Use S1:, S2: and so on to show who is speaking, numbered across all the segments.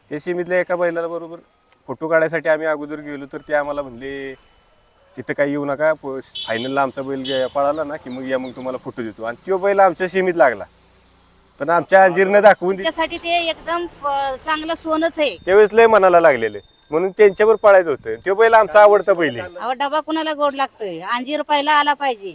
S1: त्या सीमीतल्या एका बैलाला बरोबर फोटो काढायसाठी आम्ही अगोदर गेलो, तर ते आम्हाला म्हणले तिथं काही येऊ नका, फायनलला आमचा बैल पळाला ना की मग या, मग तुम्हाला फोटो देतो. आणि तो बैल आमच्या सीमीत लागला, पण आमच्या अंजीरनं दाखवून
S2: त्यासाठी ते एकदम चांगलं सोनच आहे.
S1: त्यावेळेस लय मनाला लागलेले, म्हणून त्यांच्यावर पळायचं होतं. तो बैल आमचा आवडता बैल आहे.
S2: अहो डबा कुणाला गोड लागतोय, अंजीर पहिला आला पाहिजे.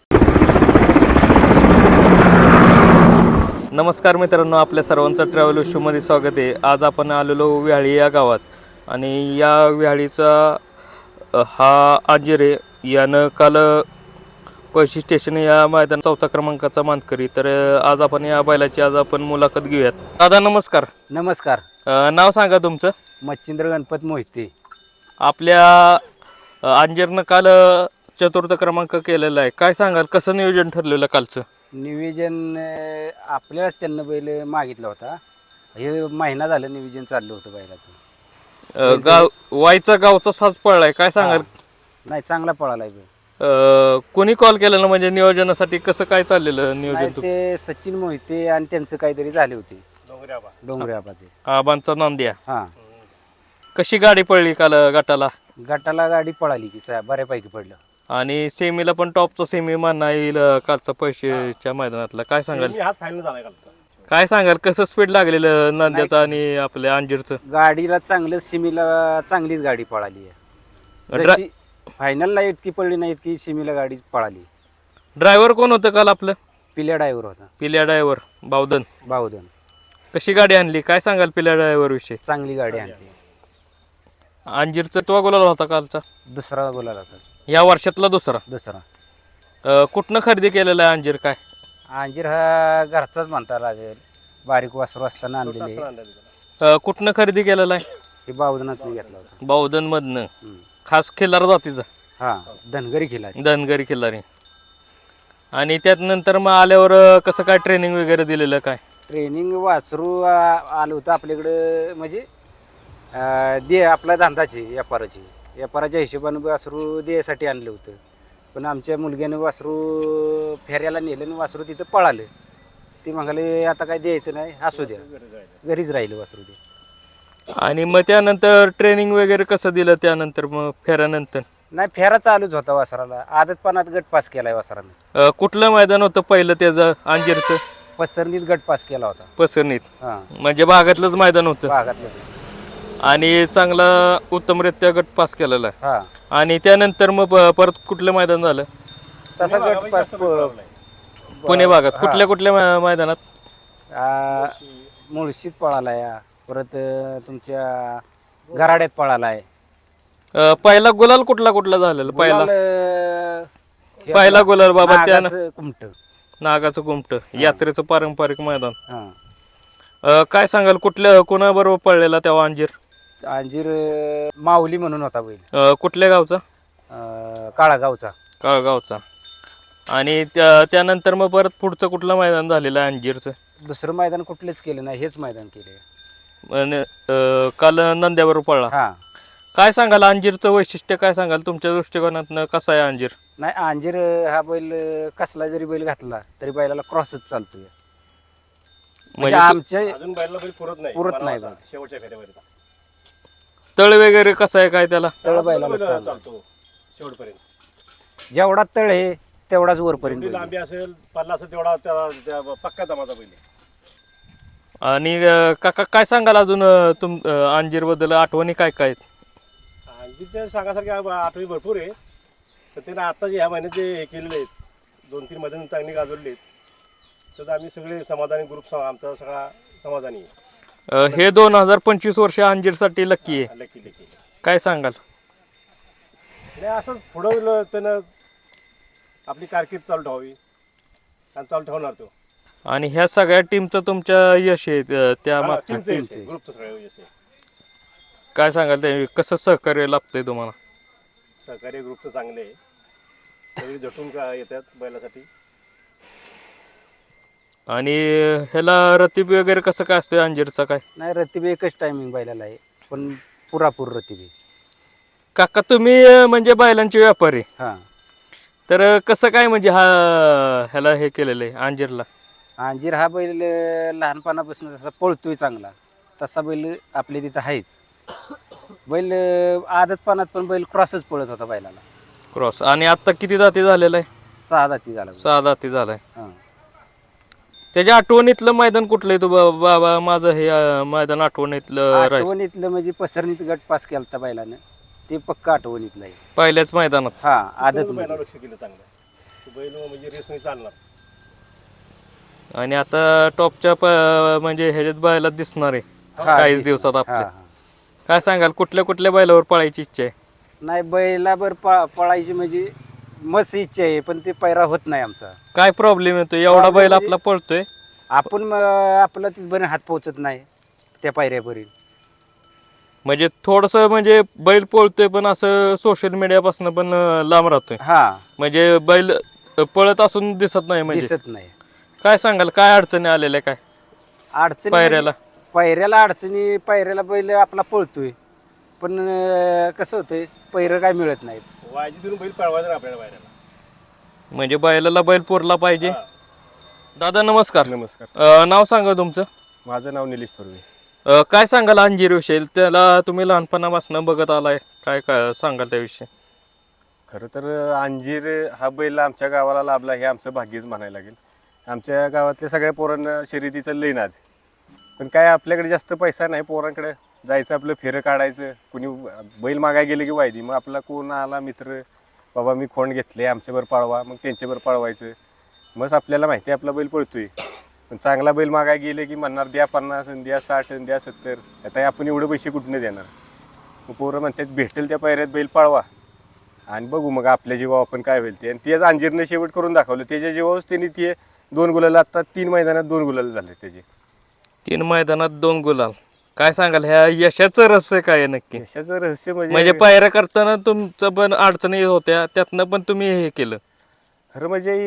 S3: नमस्कार मित्रांनो, आपल्या सर्वांचं ट्रॅव्हल शोमध्ये स्वागत आहे. आज आपण आलेलो व्याळी या गावात, आणि या व्याळीचा हा अंजीर आहे. यानं काल पळशी स्टेशन या मैदान 4था क्रमांकाचा मानकरी. तर आज आपण या बैलाची मुलाखत घेऊयात. दादा नमस्कार.
S4: नमस्कार.
S3: नाव सांगा तुमचं.
S4: मच्छिंद्र गणपत मोहिते.
S3: आपल्या अंजीरनं काल 4था क्रमांक केलेला आहे. काय सांगाल, कसं नियोजन ठरलेलं कालचं?
S4: नियोजन आपल्यालाच त्यांना बैल मागितला होता. हे महिना झालं नियोजन चाललं होतं बैलाचं.
S3: गाव वाईचा गावचा साज पळलाय. काय सांगाल?
S4: नाही, चांगला पळाला बैल.
S3: कोणी कॉल केलेलं, म्हणजे नियोजनासाठी कसं काय चाललेलं नियोजन?
S4: नाही, ते सचिन मोहिते आणि त्यांचं काहीतरी झाले होते, डोंगरे आबाचे.
S3: आबांचा नांद्या.
S4: हा,
S3: कशी गाडी पडली काल गटाला?
S4: गटाला गाडी पळाली की बऱ्यापैकी पडलं.
S3: आणि सेमीला पण टॉपचा सेमी म्हणा येईल कालचा पैशाच्या मैदानातला. काय सांगाल? काय सांगाल, कसं स्पीड लागलेलं नांद्याचं आणि आपल्या अंजीरचं?
S4: गाडीला चांगलं, सिमीला चांगलीच गाडी पळाली आहे. फायनलला इतकी पडली नाही, इतकी सिमीला गाडी पळाली.
S3: ड्रायव्हर कोण होतं काल आपलं?
S4: पिल्या ड्रायव्हर होता.
S3: पिल्या ड्रायव्हर बावधन.
S4: कशी
S3: गाडी आणली, काय सांगाल पिल्या ड्रायव्हर विषयी?
S4: चांगली गाडी आणली.
S3: अंजीरचा तो गुलाल होता कालचा?
S4: दुसरा बोलायला होता.
S3: या वर्षातला दुसरा. कुठनं खरेदी केलेला आहे अंजीर? काय
S4: अंजीर हा घरचाच म्हणता लागेल, बारीक वासरू असताना आणलेले.
S3: कुठनं खरेदी केलेला आहे?
S4: हे बावधनात घेतला होता.
S3: बावधन मधनं. खास खिल्लार जातीचा?
S4: हा, धनगरी
S3: खिल्लारी. आणि त्यानंतर मग आल्यावर कसं काय ट्रेनिंग वगैरे दिलेलं? काय
S4: ट्रेनिंग वासरू आलं होतं आपल्याकडं, म्हणजे दे आपला धंदाची व्यापाराच्या हिशोबानं वासरू द्यायसाठी आणलं होतं. पण आमच्या मुलग्यानं वासरू फेऱ्याला नेलं आणि वासरू तिथं पळालं. ते म्हणाले आता काय द्यायचं नाही, असू द्या, घरीच राहिलं वासरू ते.
S3: आणि मग त्यानंतर ट्रेनिंग वगैरे कसं दिलं? त्यानंतर मग फेऱ्यानंतर?
S4: नाही, फेरा चालूच होता वासराला. आदतपणात गट पास केलाय वासरानं.
S3: कुठलं मैदान होतं पहिलं त्याचं अंजीरचं?
S4: पसरणीत गट पास केला होता.
S3: पसरणीत?
S4: हा,
S3: म्हणजे भागातलंच मैदान होतं.
S4: भागातलं.
S3: आणि चांगला उत्तमरित्या गट पास केलेला आहे.
S4: हा,
S3: आणि त्यानंतर मग परत कुठलं मैदान झालं?
S4: तसा गट पास
S3: पुणे भागात कुठल्या मैदानात?
S4: मुळशीत पळालाय, परत तुमच्या गराड्यात पळालाय.
S3: पहिला गुलाल कुठला झालेला? पहिला गुलाल बाबा त्या
S4: कुमट,
S3: नागाचं कुमट, यात्रेचं पारंपरिक मैदान.
S4: हा.
S3: काय सांगाल, कोणाबरोबर पळलेला तेव्हा अंजीर?
S4: अंजीर माऊली म्हणून होता बैल.
S3: कुठल्या गावचा?
S4: काळागावचा.
S3: काळगावचा. आणि त्यानंतर मग परत पुढचं कुठलं मैदान झालेलं आहे अंजीरचं?
S4: दुसरं मैदान कुठलेच केलं नाही, हेच मैदान केले.
S3: काल नंद्याबरोबर पळला.
S4: हा.
S3: काय सांगाल अंजीरचं वैशिष्ट्य? काय सांगाल तुमच्या दृष्टिकोनातनं? कसं आहे अंजीर?
S4: नाही, अंजीर हा बैल कसला जरी बैल घातला तरी बैलाला क्रॉसच चालतोय. म्हणजे आमच्या पुरत नाही बैल.
S3: तळ वगैरे कसं आहे काय त्याला?
S4: तळ बैलाला चालतो शेवटपर्यंत. जेवढा तळ आहे तेवढाच वरपर्यंत
S1: लांबी असेल, पल्ला असेल तेवढा पक्का दमाचा बैल.
S3: आणि काका काय सांगाल अजून अंजीर बद्दल आठवणी काय काय आहेत?
S1: अंजीरच्या सांगासारख्या आठवणी भरपूर आहे. तर त्यानं आता जे ह्या महिन्यात जे हे केलेले आहेत, 2-3 मैदान चांगली गाजवलेली आहेत, तर आम्ही सगळे समाधानी, ग्रुप आमचा सगळा समाधानी आहे.
S3: हे 2025 वर्ष अंजीरसाठी लकी आहे.
S1: लकी
S3: काय सांगाल?
S1: नाही, असंच पुढं त्यानं आपली कारकीर्द चालू ठेवावी आणि चालू ठेवणार तो.
S3: आणि ह्या सगळ्या टीमचं तुमच्या यश आहे त्या मागचं?
S1: ग्रुपचं सगळं यश आहे.
S3: काय सांगाल, ते कसं सहकार्य लाभतंय तुम्हाला?
S1: सहकार्य ग्रुपचं चांगले आहे, सगळी झटून येतात बैलासाठी.
S3: आणि ह्याला रतीब वगैरे कसं काय असतं अंजीरचा? काय
S4: नाही, रतीब एकच टायमिंग बैलाला आहे, पण पुरापूर रतीब आहे.
S3: काका तुम्ही म्हणजे बैलांचे व्यापारी,
S4: हा.
S3: तर कसं काय म्हणजे ह्याला हे केलेलं आहे अंजीरला?
S4: अंजीर हा बैल लहानपणापासून जसा पळतोय चांगला, तसा बैल आपल्या तिथं आहेच. बैल आदतपणात पण बैल क्रॉसच पळत होता बैलाला.
S3: क्रॉस. आणि आता किती दाती झालेला आहे?
S4: 6 दाती झाला बैल.
S3: 6 दाती झालाय.
S4: हां.
S3: त्याच्या आठवणीतलं मैदान कुठलं आहे? तू बाबा माझं हे मैदान आठवणीतलं राहील
S4: आठवणीतलं म्हणजे पसरणीत गट पास केलता बैलानं, ते पक्क आठवणीतलं आहे.
S3: पहिल्याच मैदानात.
S4: हा आदत
S1: बैलावर लक्ष केलं चांगलं. तो बैल म्हणजे रेसने चालणार.
S3: आणि आता टॉपच्या म्हणजे ह्याच्यात बैलात दिसणार आहे काहीच दिवसात आपल्या. काय सांगाल कुठल्या कुठल्या बैलावर पळायची इच्छा आहे?
S4: नाही बैलावर पळायची म्हणजे मस्त इच्छा आहे, पण ते पैरा होत नाही आमचा.
S3: काय प्रॉब्लेम येतो? एवढा बैल
S4: म्हणजे-
S3: आपला पळतोय,
S4: आपण आपला तिथपर्यंत हात पोहोचत नाही त्या पायऱ्यापर्यंत.
S3: म्हणजे थोडस म्हणजे बैल पळतोय पण असं सोशल मीडियापासून पण लांब राहतोय.
S4: हा
S3: म्हणजे बैल पळत असून दिसत नाही. म्हणजे
S4: दिसत नाही.
S3: काय सांगाल काय अडचणी आलेल्या काय
S4: अडचणी
S3: पायऱ्याला?
S4: पायऱ्याला अडचणी, पायऱ्याला बैल आपला पळतोय पण कसं होतंय पैर काय मिळत नाहीत.
S1: वाजी देऊन बैल पळवायचा ना आपल्याला बाहेर.
S3: म्हणजे बैलाला बैल पुरला पाहिजे. दादा नमस्कार.
S1: नमस्कार.
S3: नाव सांगा तुमचं.
S1: माझं नाव निलेश थोरवे.
S3: काय सांगाल अंजीर विषयी? त्याला तुम्ही लहानपणापासून बघत आलाय, काय काय सांगाल त्याविषयी?
S1: खरं तर अंजीर हा बैल आमच्या गावाला लाभला हे आमचं भाग्यच म्हणायला लागेल. आमच्या गावातल्या सगळ्या पोरांना शर्यतीचं लई नाद, पण काय आपल्याकडे जास्त पैसा नाही. पोरांकडे जायचं, आपलं फेरं काढायचं, कुणी बैल मागाय गेलं की वायदी, मग आपला कोण आला मित्र, बाबा मी खोंड घेतले आमच्यावर पळवा, मग त्यांच्यावर पळवायचं. मग आपल्याला माहिती आहे आपला बैल पळतोय. पण चांगला बैल मागाय गेले की म्हणणार द्या 50 आणि द्या 60 आणि द्या 70. आता आपण एवढे पैसे कुठून देणार? मग पोरं म्हणतात भेटेल त्या पायऱ्यात बैल पळवा आणि बघू मग आपल्या जीवा आपण काय होईल ते. आणि तेच अंजीरनं शेवट करून दाखवलं. त्याच्या जीवावरच त्यांनी ते 2 गुलाल, आता 3 मैदानात 2 गुलाल झाले त्याचे.
S3: 3 मैदानात 2 गुलाल. काय सांगाल ह्या यशाचं रहस्य काय आहे नक्की?
S1: यशाचं रहस्य
S3: म्हणजे पायऱ्या करताना तुमचं पण अडचणी होत्या, त्यातनं पण तुम्ही हे केलं.
S1: खरं म्हणजे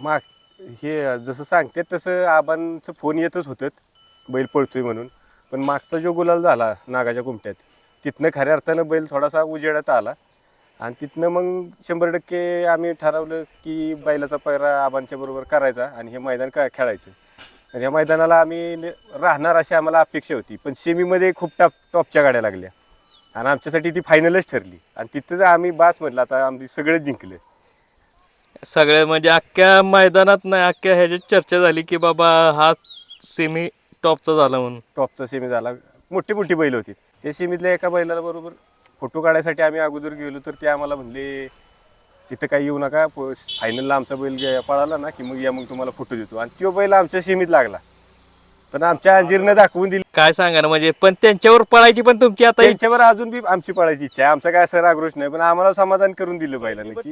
S1: हे जसं सांगतात तसं आबांचं फोन येतच होतं बैल पळतोय म्हणून. पण मागचा जो गुलाल झाला नागाच्या कुमट्यात, तिथनं खऱ्या अर्थानं बैल थोडासा उजेडात आला. आणि तिथनं मग 100% आम्ही ठरवलं की बैलाचा पैरा आबांच्या बरोबर करायचा आणि हे मैदान खेळायचं. आणि या मैदानाला आम्ही राहणार अशी आम्हाला अपेक्षा होती. पण सेमीमध्ये खूप टॉपच्या गाड्या लागल्या आणि आमच्यासाठी ती फायनलच ठरली. आणि तिथं आम्ही बास म्हटलं आता आम्ही सगळंच जिंकलं.
S3: सगळे म्हणजे अख्ख्या मैदानात नाही, अख्ख्या ह्याच्यात चर्चा झाली की बाबा हा सेमी टॉपचा झाला म्हणून.
S1: टॉपचा सेमी झाला. मोठी मोठी बैल होती. त्या सेमीतल्या एका बैलाला बरोबर फोटो काढायसाठी आम्ही अगोदर गेलो तर ते आम्हाला म्हणले तिथं काही येऊ नका, फायनलला आमचा बैल पळाला ना की मग या, मग तुम्हाला फोटो देतो. आणि तो बैल आमच्या सेमीत लागला, पण आमच्या अंजीरनं दाखवून दिली.
S3: काय सांगा ना, म्हणजे पण त्यांच्यावर पळायची पण तुमची आता
S1: त्यांच्यावर अजून बी आमची पळायची इच्छा आहे. आमचा काय असं आक्रोश नाही, पण आम्हाला समाधान करून दिलं बैलाने की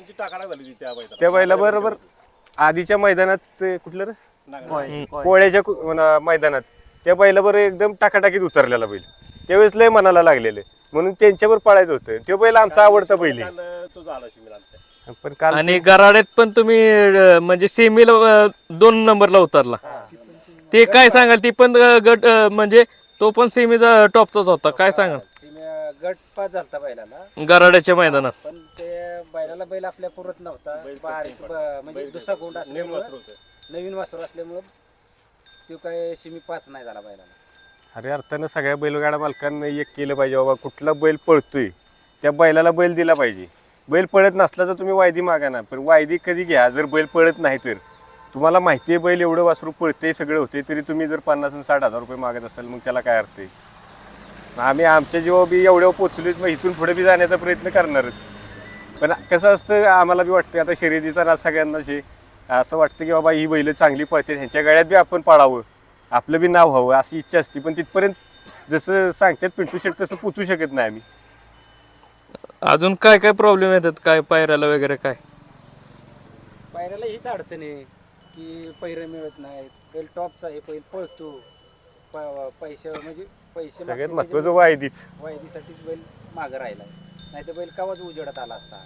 S1: त्या बैला बरोबर आधीच्या मैदानात कुठलं रे पोळ्याच्या मैदानात त्या बैलाबरोबर एकदम टाकाटाकीत उतरलेला बैल, त्यावेळेस लय मनाला लागलेलं, म्हणून त्यांच्यावर पळायचं होतं. तो बैल आमचा आवडता बैल आहे. पण काल
S3: आणि गराड्यात पण तुम्ही म्हणजे सेमीला 2 नंबरला उतरला. ते काय सांगाल? ती पण गट म्हणजे तो पण सेमीचा टॉपचाच होता. काय सांगाल?
S4: गट पास झालता बैलाला
S3: गराड्याच्या मैदानात.
S4: पण ते बैलाला बैल आपल्या पुरत नव्हता. म्हणजे दुसरा गोंड असल्यामुळं, नवीन वासरू असल्यामुळं तो काय सेमी पास नाही झाला बैलाला.
S1: अरे अर्थानं सगळ्या बैलगाडा मालकांना एक केलं पाहिजे, बाबा कुठला बैल पळतोय त्या बैलाला बैल दिला पाहिजे. बैल पळत नसला तर तुम्ही वायदी मागा ना, पण वायदी कधी घ्या जर बैल पळत नाही तर. तुम्हाला माहिती आहे बैल एवढं वासरू पळते सगळं होते, तरी तुम्ही जर 50 आणि 60,000 रुपये मागत असाल मग त्याला काय अर्थ आहे? आम्ही आमच्या जेव्हा बी एवढ्या पोचलोच, मग इथून पुढे बी जाण्याचा प्रयत्न करणारच. पण कसं असतं आम्हाला बी वाटतं आता शर्यतीचा नाद सगळ्यांनाच आहे. असं वाटतं की बाबा ही बैल चांगली पळते, ह्यांच्या गळ्यात बी आपण पळावं, आपलं बी नाव व्हावं अशी इच्छा असते. पण तिथपर्यंत जसं सांगतात पिंटू शेट तसं पोचू शकत नाही आम्ही.
S3: अजून काय काय प्रॉब्लेम येतात काय पायऱ्याला वगैरे? काय
S4: पायऱ्याला हीच अडचण आहे की पैरे मिळत नाहीत. बैल टॉपचा आहे, बैल पळतो, पैसे म्हणजे पैसे
S1: सगळ्यात महत्वाचं वायदीच.
S4: वायदीसाठीच बैल मागं राहिला, नाही तर बैल कावाच उजेडात आला असता.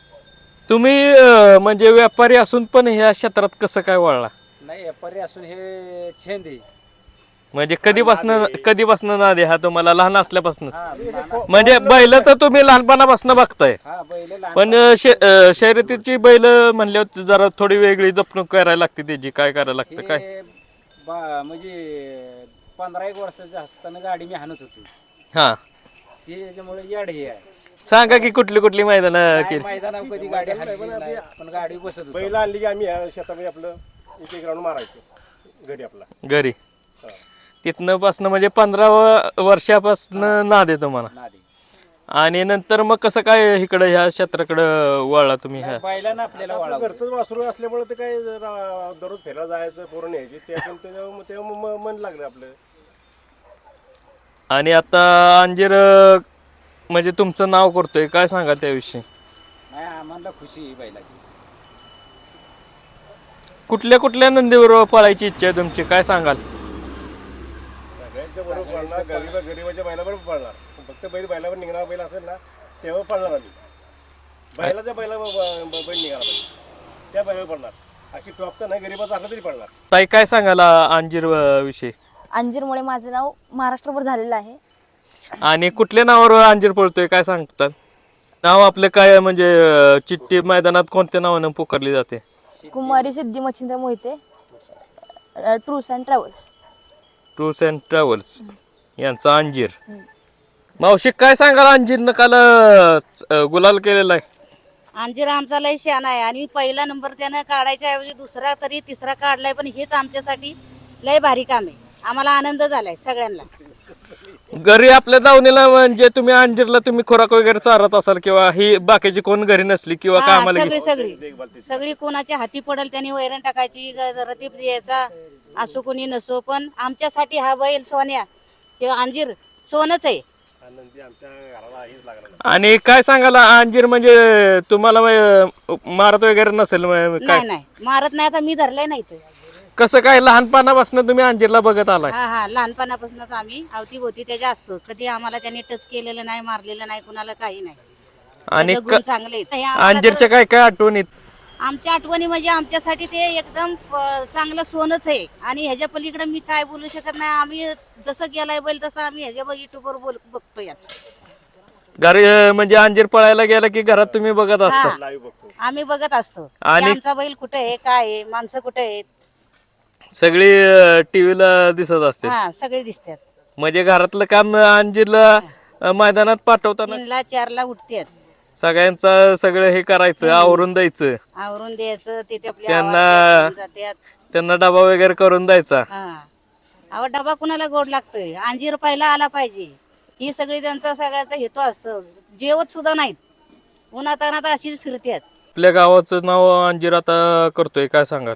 S3: तुम्ही म्हणजे व्यापारी असून पण ह्या क्षेत्रात कसं काय वळला?
S4: नाही व्यापारी असून हे छंद आहे.
S3: म्हणजे कधीपासून नाद आहे हा तुम्हाला? लहान असल्यापासूनच?
S4: हा, लहान
S3: म्हणजे बैल तर तुम्ही लहानपणापासून बघताय,
S4: हा बैल लहान
S3: पण शर्यतीची बैल म्हणल्यावर जरा थोडी वेगळी जपणूक करायला लागते त्याची. काय करायला लागतं काय?
S4: म्हणजे 15 वर्षाचं असताना गाडी मी हाणत होती
S3: हा
S4: ती त्याच्यामुळे याड हे आहे
S3: सांगा की कुठली कुठली मैदान केली
S4: मैदानावर कधी गाडी हाणली नाही, पण गाडी बसत होती.
S1: बैल आणली की आम्ही ह्या शेतामध्ये आपलं एक एक राऊंड मारायचो घरी आपला.
S3: घरी तिथनं पासनं म्हणजे 15 वर्षापासनं नाद आहे तुम्हाला.
S4: नादी.
S3: आणि नंतर मग कसं काय इकडं ह्या क्षेत्राकडं वळला तुम्ही ह्या
S4: बैलानं आपल्याला वळावं.
S1: घरचंच वासरू असल्यामुळे ते काय दररोज फिरायला जायचं पोरं न्यायची तेव्हा मन लागलं आपलं.
S3: आणि आता अंजीर म्हणजे तुमचं नाव करतोय काय सांगा त्याविषयी.
S4: नाही आम्हाला खुशी आहे बैलाची.
S3: कुठल्या कुठल्या नंदीवर पळायची इच्छा आहे तुमची काय सांगाल.
S1: सगळ्यांच्या बरोबर पळणार गरीबाच्या बैलाबरोबर पळणार फक्त बैलावर निघणारा बैल असेल ना तेव्हा पळणार आम्ही. बैलाच्या बैल निघाला पाहिजे त्या बैलावर पळणार. अशी टॉपचा नाही गरीबाचा असला तरी पळणार.
S3: ताई काय सांगाल अंजीर विषयी.
S5: अंजीरमुळे माझं नाव महाराष्ट्रभर झालेलं आहे.
S3: आणि कुठल्या नावावर अंजीर पळतोय काय सांगतात. नाव आपलं काय म्हणजे चिठ्ठी मैदानात कोणत्या नावानं पुकारली जाते.
S5: कुमारी Siddhi Machhindra Mohite tours and travels.
S3: Tours and travels यांचा अंजीर. मावशी काय सांगाल अंजीरनं काल गुलाल केलेला आहे.
S2: अंजीर आमचा लय शान आहे आणि पहिला नंबर त्यानं काढायच्या ऐवजी दुसरा तरी तिसरा काढलाय, पण हेच आमच्यासाठी लय भारी काम आहे. आम्हाला आनंद झालाय सगळ्यांना.
S3: घरी आपल्या दावणीला म्हणजे तुम्ही अंजीरला तुम्ही खोराक वगैरे चारत असाल किंवा ही बाकीची कोण घरी नसली किंवा
S2: हा,
S3: कामाला
S2: सगळी सगळी सगळी कोणाच्या हाती पडेल त्यांनी वैरण टाकायची रतीब द्यायचा असो कोणी नसो, पण आमच्यासाठी हा बैल सोन्या हे अंजीर सोनच आहे.
S1: आनंदी आमच्या घराला हेच लागलं.
S3: आणि काय सांगाल अंजीर म्हणजे तुम्हाला मारत वगैरे नसेल काय
S2: नाही नाही मारत नाही. आता मी धरलंय नाही तर.
S3: कसं काय लहानपणापासून तुम्ही अंजीरला बघत आलाय.
S2: हा हा लहानपणापासूनच आम्ही अवतीभोवती त्याच्या असतो. कधी आम्हाला त्यांनी टच केलेलं नाही, मारलेलं नाही, कुणाला काही नाही.
S3: आणि
S2: त्याचे गुण चांगले आहेत. हे आम्हाला
S3: अंजीरच्या काय काय आठवणीत.
S2: आमच्या आठवणी म्हणजे आमच्यासाठी ते एकदम चांगलं सोनच आहे. आणि ह्याच्या पलीकडे मी काय बोलू शकत नाही. आम्ही जसं गेलाय बैल तसं आम्ही ह्याच्यावर युट्यूबवर बघतो याच.
S3: घरी म्हणजे अंजीर पळायला गेला की घरात तुम्ही बघत असता.
S2: हा,
S1: लाईव्ह बघतो.
S2: आम्ही बघत असतो की
S3: आणि-
S2: आमचा बैल कुठे आहे, काय आहे, माणसं कुठे आहेत.
S3: सगळी टीव्हीला दिसत असते.
S2: हा सगळे दिसतात.
S3: म्हणजे घरातलं काम अंजीरला मैदानात पाठवताना
S2: 3ला 4ला उठतात,
S3: सगळ्यांचं सगळं हे करायचं आवरून द्यायचं.
S2: आवरून द्यायचं. ते आपल्या
S3: त्यांना-
S2: आवाजात जातात.
S3: त्यांना डबा वगैरे करून द्यायचा.
S2: हा अहो डबा कुणाला गोड लागतोय. अंजीर पहिला आला पाहिजे ही सगळी त्यांचा सगळ्याचा हेतू असतो. जेवत सुद्धा नाहीत, उन्हातानात अशीच फिरतात.
S3: आपल्या गावाचं नाव अंजीर आता करतोय काय सांगाल.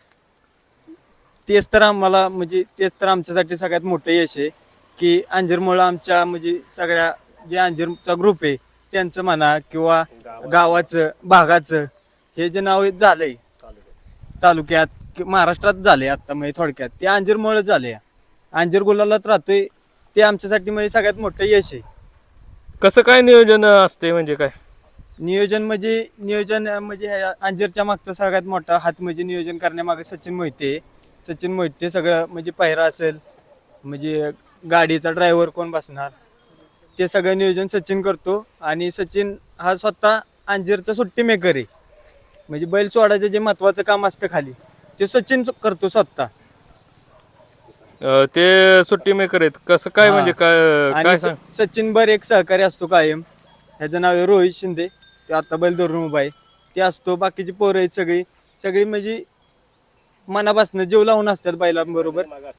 S6: तेच तर आम्हाला म्हणजे तेच तर आमच्यासाठी सगळ्यात मोठं यश आहे की अंजीरमुळं आमच्या म्हणजे सगळ्या जे अंजीरचा ग्रुप आहे त्यांचं म्हणा किंवा गावाचं भागाचं हे जे नाव झालंय तालुक्यात महाराष्ट्रात झालंय आता म्हणजे थोडक्यात ते अंजीरमुळं झालंय. अंजीर गुलालात राहतोय ते आमच्यासाठी म्हणजे सगळ्यात मोठं यश आहे.
S3: कसं काय नियोजन असते म्हणजे काय.
S6: नियोजन म्हणजे ह्या अंजीरच्या मागचा सगळ्यात मोठा हात म्हणजे नियोजन करण्यामागे सचिन मोहिते सगळं म्हणजे पहिरा असेल म्हणजे गाडीचा ड्रायव्हर कोण बसणार ते सगळं नियोजन सचिन करतो. आणि सचिन हा स्वतः अंजीरचा सुट्टी मेकर आहे. म्हणजे बैल सोडायचं जे महत्वाचं काम असतं खाली ते सचिन करतो स्वतः.
S3: ते सुट्टी मेकर आहेत कसं काय
S6: हा.
S3: म्हणजे काय
S6: आणि
S3: काय सांग.
S6: सचिन बर एक सहकारी असतो कायम. ह्याचं नाव आहे रोहित शिंदे. ते आता बैल धरून उभा आहे ते असतो. बाकीची पोरं आहेत सगळी म्हणजे मनापासून जीव लावून असतात बैलांबरोबर.